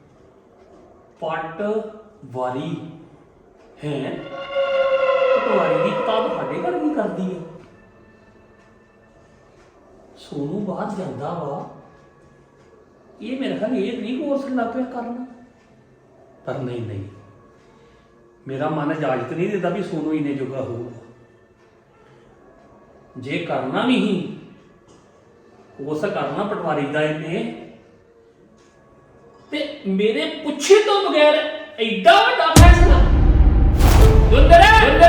S4: ਪਟ ਵਾਰੀ ਹੈ। ਪਟਵਾਰੀ ਦੀ ਕਿਤਾਬ ਸਾਡੇ ਘਰ ਕੀ ਕਰਦੀ ਹੈ? ਸੋਨੂੰ ਬਾਹਰ ਜਾਂਦਾ ਵਾ, ਇਹ ਮੇਰੇ ਖਿਆਲ ਇਹ ਨਹੀਂ ਕੋਰਸ ਲੱਗ ਪਿਆ ਕਰਨ। ਪਰ ਨਹੀਂ ਨਹੀਂ, ਮੇਰਾ ਮਨ ਇਜਾਜ਼ਤ ਨਹੀਂ ਦਿੰਦਾ ਵੀ ਸੋਨੂੰ ਇੰਨੇ ਜੋਗਾ ਹੋਊਗਾ। ਜੇ ਕਰਨਾ ਵੀ ਹੀ ਕੋਰਸ ਕਰਨਾ ਪਟਵਾਰੀ ਦਾ ਇਹਨੇ, ਤੇ ਮੇਰੇ ਪੁੱਛੇ ਤੋਂ ਬਗੈਰ ਐਡਾ ਵੱਡਾ ਫੈਸਲਾ। ਜੁੰਦਰ ਜੁੰਦਰ